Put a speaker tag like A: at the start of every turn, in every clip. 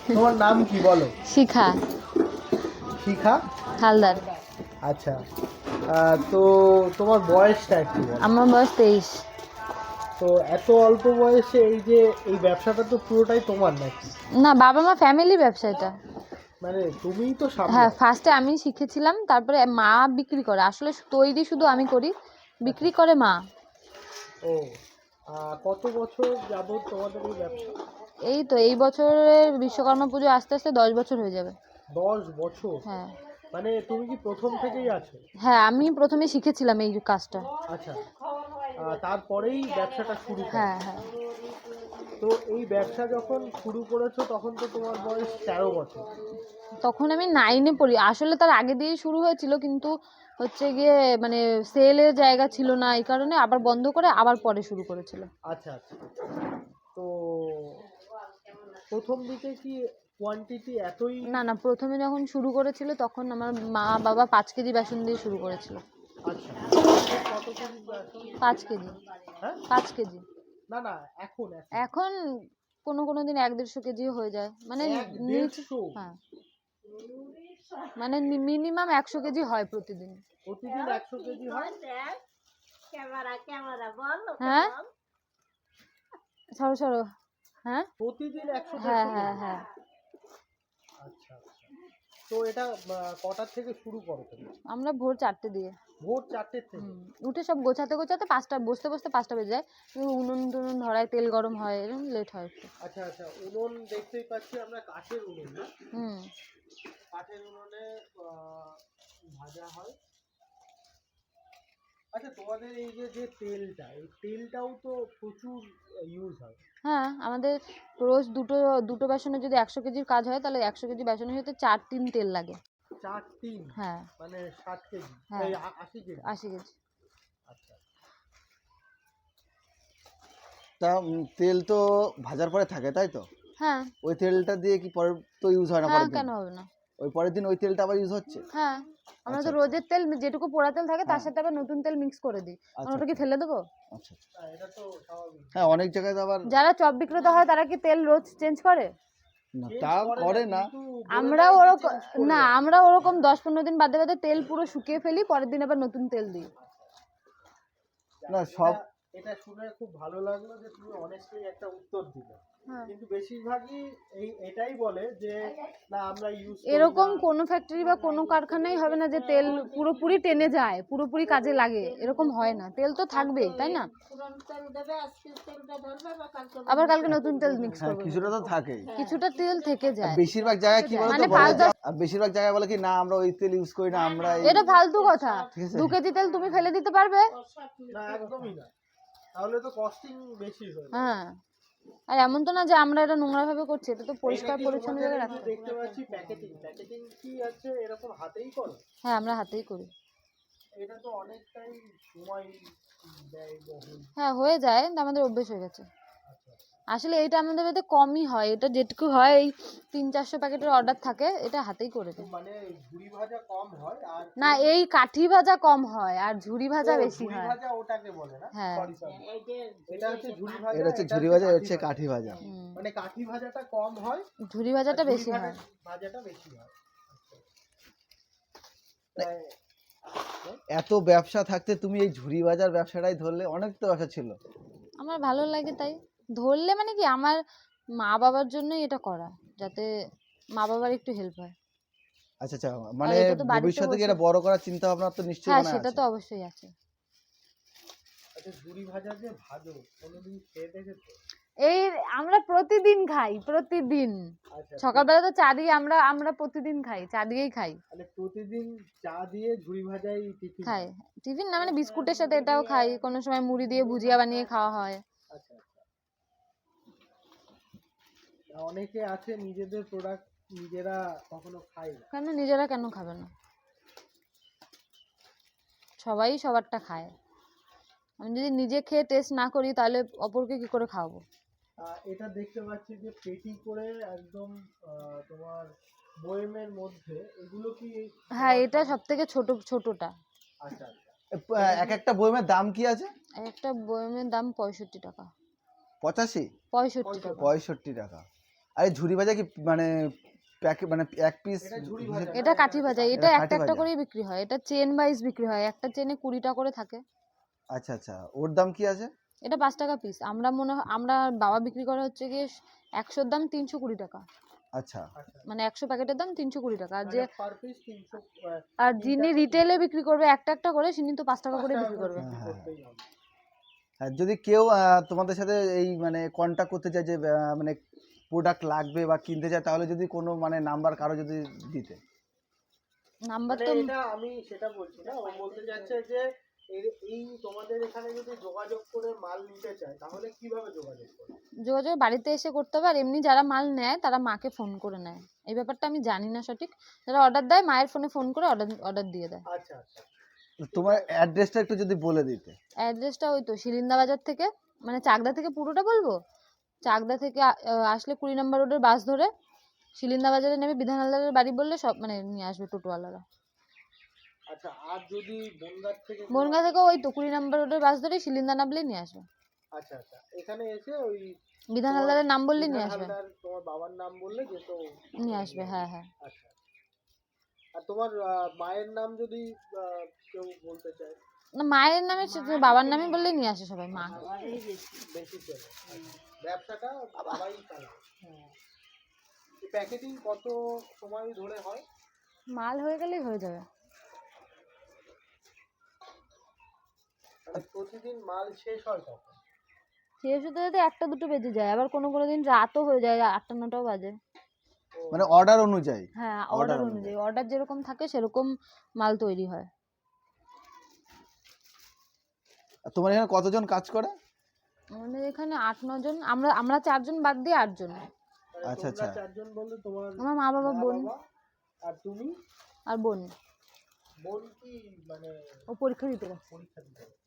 A: তোমার নাম কি বলো?
B: শিখা
A: শিখা
B: হালদার।
A: আচ্ছা। তো তোমার বয়সটা একটু বলো।
B: আমার বয়স 23।
A: তো এত অল্প বয়সে এই যে এই ব্যবসাটা তো পুরোটাই তোমার নাকি?
B: না, বাবা মা ফ্যামিলি ব্যবসা এটা।
A: মানে তুমিই তো
B: হ্যাঁ,
A: সামলাও।
B: ফার্স্টে আমি শিখেছিলাম, তারপরে মা বিক্রি করে। আসলে তৈরি শুধু আমি করি, বিক্রি করে মা।
A: ও, কত বছর যাবত তোমাদের এই ব্যবসা?
B: এই তো এই বছরের বিশ্বকর্মা পুজো আস্তে আস্তে 10 বছর হয়ে যাবে।
A: 10 বছর?
B: হ্যাঁ
A: মানে তুমি কি প্রথম থেকেই আছো?
B: হ্যাঁ, আমি প্রথমে শিখেছিলাম এই কাজটা।
A: আচ্ছা। তারপরেই ব্যবসাটা শুরু করো?
B: হ্যাঁ হ্যাঁ।
A: তো এই ব্যবসা যখন শুরু করেছো তখন তো তোমার বয়স 13 বছর।
B: তখন আমি 9-এ পড়ি। আসলে তার আগে দিয়েই শুরু হয়েছিল, কিন্তু হচ্ছে গিয়ে মানে সেলের জায়গা ছিল না, এই কারণে আবার বন্ধ করে আবার পরে শুরু করেছিল।
A: আচ্ছা আচ্ছা। তো প্রথম দিকে কি কোয়ান্টিটি এতই?
B: না না, প্রথমে যখন শুরু করেছিল তখন আমার মা বাবা 5 কেজি বেসন দিয়ে শুরু করেছিল।
A: আচ্ছা। কত কেজি বেসন?
B: 5 কেজি।
A: হ্যাঁ?
B: 5 কেজি।
A: না না, এখন এখন
B: এখন কোনো দিন 1-1.5 কেজিও হয়ে যায়, মানে নিচে।
A: 1-150?
B: হ্যাঁ, মানে মিনিমাম 100 কেজি হয় প্রতিদিন।
A: প্রতিদিন 100 কেজি হয়?
B: হ্যাঁ, সরো সরো। হ্যাঁ
A: প্রতিদিন 100
B: হ্যাঁ
A: 150
B: হ্যাঁ
A: কেজি?
B: হ্যাঁ।
A: আচ্ছা আচ্ছা। তো এটা কটার থেকে শুরু করো তুমি?
B: আমরা ভোর 4টে দিয়ে।
A: ভোর 4টের থেকে?
B: উঠে সব গোছাতে গোছাতে 5টা, বসতে বসতে 5টা বেজে যায়। উনুন টুনুন ধরায়, তেল গরম হয়, এরকম লেট হয় একটু।
A: আচ্ছা আচ্ছা। উনুন দেখতেই পাচ্ছি আমরা, কাঠের উনুন না?
B: হুম।
A: কাঠের উনুনে ভাজা হয়। আচ্ছা, তোমাদের এই যে যে তেলটা, এই তেলটাও তো প্রচুর ইউজ হয়।
B: হ্যাঁ, আমাদের রোজ দুটো বেসনে যদি 100 কেজির কাজ হয়, তাহলে 100 কেজি বেসনের সাথে 4 টিন তেল লাগে।
A: 4 টিন?
B: হ্যাঁ।
A: মানে 60 কেজি?
B: হ্যাঁ,
A: এই 80 কেজি?
B: 80 কেজি।
A: আচ্ছা।
C: তা তেল তো ভাজার পরে থাকে তাই তো?
B: হ্যাঁ
C: ওই তেলটা দিয়ে কি পরে তো ইউজ হয় না
B: হ্যাঁ,
C: পরের দিন?
B: কেন হবে না?
C: ওই পরের দিন ওই তেলটা আবার ইউজ হচ্ছে?
B: হ্যাঁ, আমরা
C: আচ্ছা
B: তো
C: আচ্ছা
B: রোজের তেল যেটুকু পোড়া তেল থাকে তার
C: হ্যাঁ
B: সাথে আবার নতুন তেল মিক্স করে দিই।
C: আচ্ছা
B: ওটা কি
C: আচ্ছা
B: ফেলে দেবো?
C: আচ্ছা আচ্ছা।
A: এটা তো স্বাভাবিক।
C: হ্যাঁ, অনেক জায়গায় তো আবার
B: যারা চপ বিক্রেতা হয় তারা কি তেল রোজ চেঞ্জ করে?
C: না,
A: চেঞ্জ
C: তা করে না।
A: কিন্তু বলে
B: আমরাও
A: দেয় যে
B: ওরকম,
A: চেঞ্জ করে
B: না
A: দেয়।
B: আমরা ওরকম 10-15 দিন বাদে বাদে তেল পুরো শুকিয়ে ফেলি, পরের দিন আবার নতুন তেল দিই।
C: না
A: এটা
C: সব
A: এটা শুনে খুব ভালো লাগলো যে তুমি অনেস্টলি একটা উত্তর দিলে।
B: হ্যাঁ।
A: কিন্তু বেশিরভাগই এটাই বলে যে না আমরা ইউজ করি
B: এরকম
A: না।
B: কোনো ফ্যাক্টরি বা কোনো কারখানাই হবে না যে তেল পুরোপুরি টেনে যায়, পুরোপুরি কাজে লাগে, এরকম হয় না। তেল তো থাকবেই, তাই না? আবার কালকে নতুন তেল মিক্স
C: হ্যাঁ,
B: করবো।
C: কিছুটা তো থাকেই।
B: কিছুটা তেল থেকে
C: আর
B: যায়।
C: বেশিরভাগ জায়গায় কি বলতো
B: মানে
C: বলে
B: 5-10।
C: আর বেশিরভাগ জায়গায় বলে কি না আমরা ওই তেল ইউজ করি না, আমরা এই
B: এটা ফালতু কথা।
C: ঠিক আছে
B: 2 কেজি তেল তুমি ফেলে দিতে পারবে?
A: না, একদমই না। তাহলে তো কস্টিং বেশি হয়ে যায়।
B: হ্যাঁ, আর এমন তো না যে আমরা এটা নোংরা ভাবে করছি, এটা তো পরিষ্কার
A: এটা কি
B: পরিচ্ছন্ন
A: তোমাদের
B: জায়গায়
A: এই যে
B: রাখতে।
A: দেখতে পাচ্ছি প্যাকেটিং কি আছে এরকম হাতেই করো?
B: হ্যাঁ, আমরা হাতেই করি।
A: এটা তো অনেকটাই সময় ব্যয়বহুল।
B: হ্যাঁ, হয়ে যায়, কিন্তু আমাদের অভ্যেস হয়ে গেছে।
A: আচ্ছা।
B: আসলে এটা আমাদের এতে কমই হয়, এটা যেটুকু হয় এই 300-400 প্যাকেটের অর্ডার থাকে, এটা হাতেই করে দিই।
A: মানে ঝুরি ভাজা কম হয় আর
B: না, এই কাঠি ভাজা কম হয় আর ঝুরি ভাজা বেশি
A: ঝুরি
B: হয়।
A: ভাজা ওটাকে বলে না?
B: হ্যাঁ।
A: Sorry sorry. এটা হচ্ছে ঝুরি ভাজা,
C: এটা হচ্ছে
A: এটা
C: ঝুরি ভাজা, এটা হচ্ছে কাঠি ভাজা।
A: মানে কাঠি ভাজাটা কম হয়,
B: ঝুরি ভাজাটা
A: ঝুরি
B: বেশি হয়।
A: ভাজাটা বেশি হয়। তাই
C: এত ব্যবসা থাকতে তুমি এই ঝুরি ভাজার ব্যবসাটাই ধরলে, অনেক তো ব্যবসা ছিল।
B: আমার ভালো লাগে তাই ধরলে, মানে কি আমার মা বাবার জন্যই এটা করা, যাতে মা বাবার একটু হেল্প হয়।
C: আচ্ছা আচ্ছা,
B: আর
C: মানে
B: এটা তো বাড়িতে
C: ভবিষ্যতে কি
B: বসে।
C: এটা বড় করার চিন্তা ভাবনা তো নিশ্চয়ই
B: হ্যাঁ,
C: মনে
B: সেটা
C: আছে?
B: তো অবশ্যই আছে।
A: আচ্ছা, ঝুরি ভাজা যে ভাজো কোনোদিন খেয়ে দেখেছো?
B: এই আমরা প্রতিদিন খাই, প্রতিদিন।
A: আচ্ছা,
B: সকালবেলা তো চা দিয়ে আমরা আমরা প্রতিদিন খাই, চা দিয়েই খাই।
A: মানে প্রতিদিন চা দিয়ে ঝুরি ভাজাই টিফিন
B: খাই।
A: হয়?
B: টিফিন না, মানে বিস্কুটের সাথে এটাও খাই, কোনো সময় মুড়ি দিয়ে ভুজিয়া বানিয়ে খাওয়া হয়।
A: আচ্ছা আচ্ছা। অনেকে আছে নিজেদের প্রোডাক্ট নিজেরা কখনো খায় না।
B: কেন নিজেরা কেন খাবে না? সবাই সবারটা খায়। আমি যদি নিজে খেয়ে টেস্ট না করি তাহলে অপরকে কি করে খাওয়াবো?
A: এটা দেখতে পাচ্ছি যে পেটি করে একদম তোমার বয়েমের মধ্যে, এগুলো কি?
B: হ্যাঁ, এটা সব থেকে ছোটটা।
A: আচ্ছা আচ্ছা।
C: এক একটা বইমের দাম কি আছে?
B: একটা বয়মের দাম 65 টাকা।
C: 85?
B: 65 টাকা।
C: 65 টাকা। আর এই ঝুরি ভাজা কি মানে প্যাকেট মানে এক পিস?
A: এটা ঝুরি ভাজা না,
B: এটা কাঠি ভাজা, এটা
C: এটা
B: একটা
C: কাঠি
B: একটা
C: ভাজা।
B: করেই বিক্রি হয়, এটা চেন ওয়াইজ বিক্রি হয়, একটা চেনে 20টা করে থাকে।
C: আচ্ছা আচ্ছা, ওর দাম কি আছে?
B: এটা 5 টাকা পিস। আমরা বাবা বিক্রি করে হচ্ছে গিয়ে 100-র দাম 320 টাকা,
C: আচ্ছা
A: আচ্ছা
B: মানে 100 প্যাকেটের দাম 320 টাকা। আর যে
A: পার পিস 300
B: আর
A: তিনটা
B: যিনি রিটেলে বিক্রি করবে একটা একটা করে, তিনি তো 5 টাকা করে বিক্রি করবে।
C: হ্যাঁ, হ্যাঁ।
A: করতেই হবে।
C: আর যদি কেউ তোমাদের সাথে এই মানে কন্ট্যাক্ট করতে চায় যে মানে প্রোডাক্ট লাগবে বা কিনতে চায়, তাহলে যদি কোনো মানে নাম্বার কারো যদি দিতে?
B: নাম্বার
A: মানে
B: তো
A: এটা আমি সেটা বলছি না, ও বলতে যাচ্ছে যে এই তোমাদের এখানে যদি যোগাযোগ করে মাল নিতে চায় তাহলে কিভাবে যোগাযোগ করে?
B: যোগাযোগ বাড়িতে এসে করতে হবে, আর এমনি যারা মাল নেয় তারা মাকে ফোন করে নেয়। এই ব্যাপারটা আমি জানি না সঠিক। যারা অর্ডার দেয় মায়ের ফোনে ফোন করে অর্ডার দিয়ে দেয়।
A: আচ্ছা আচ্ছা
C: তোমার অ্যাড্রেসটা একটু যদি বলে দিতে।
B: অ্যাড্রেসটা ওই তো শিলিন্দা বাজার থেকে, মানে চাকদা থেকে পুরোটা বলবো। চাকদা থেকে আসলে 20 নম্বর রোডের বাস ধরে শিলিন্দা বাজারে নেমে বিধান হালদারের বাড়ি বললে সব মানে নিয়ে আসবে টোটোওয়ালারা।
A: আচ্ছা। আর যদি বনগাঁ থেকে
B: বনগাঁ থেকে ওই তো 20 নম্বর রোডের বাস ধরে শিলিন্দা নামলেই নিয়ে আসবে।
A: আচ্ছা আচ্ছা, এখানে এসে ওই
B: বিধান হালদারের নাম বললেই নিয়ে আসবে।
A: হালদার তোমার বাবার নাম বললে যে তো
B: নিয়ে আসবে, হ্যাঁ হ্যাঁ।
A: আচ্ছা। আর তোমার মায়ের নাম যদি কেউ বলতে চায়?
B: না, মায়ের নামে বাবার নামে বললেই নিয়ে আসে সবাই, মা।
A: বেশি চলে। ব্যবসাটা বাবাই চালায়। প্যাকেটিং কত সময় ধরে হয়?
B: মাল হয়ে গেলেই হয়ে যাবে।
A: মানে প্রতিদিন মাল শেষ হয় কখন?
B: শেষ হতে হতে 1টা-2টো বেজে যায়, আবার কোনো কোনো দিন রাতও হয়ে যায়, 8টা-9টাও বাজে।
C: মানে অর্ডার অনুযায়ী?
B: হ্যাঁ,
C: Order
B: অর্ডার
C: অনুযায়ী।
B: অনুযায়ী, অর্ডার যেরকম থাকে সেরকম মাল তৈরি হয়।
C: আর তোমার এখানে কতজন কাজ করে?
B: আমাদের এখানে 8-9 জন, আমরা 4 জন বাদ দিয়ে 8 জন।
A: মানে
C: আচ্ছা,
A: তোমরা
C: আচ্ছা।
A: 4 জন বললে তোমার
B: আমার মা বাবা বোন
A: বাবা আর তুমি?
B: আর বোন,
A: বোন কি মানে
B: ও পরীক্ষা দিতে গেছে।
A: পরীক্ষা দিতে গেছে?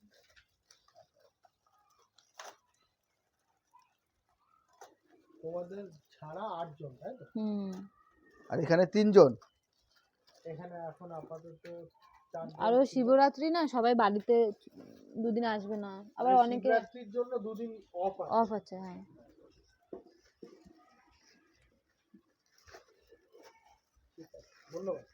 A: তোমাদের ছাড়া 8 জন, তাই তো?
C: আর এখানে 3 জন?
A: এখানে এখন আপাতত 4 জন।
B: আরো শিবরাত্রি না, সবাই বাড়িতে দুদিন আসবে না, আবার অনেকে
A: শিবরাত্রির জন্য 2 দিন অফ আছে।
B: অফ আছে। হ্যাঁ,
A: ঠিক আছে, ধন্যবাদ।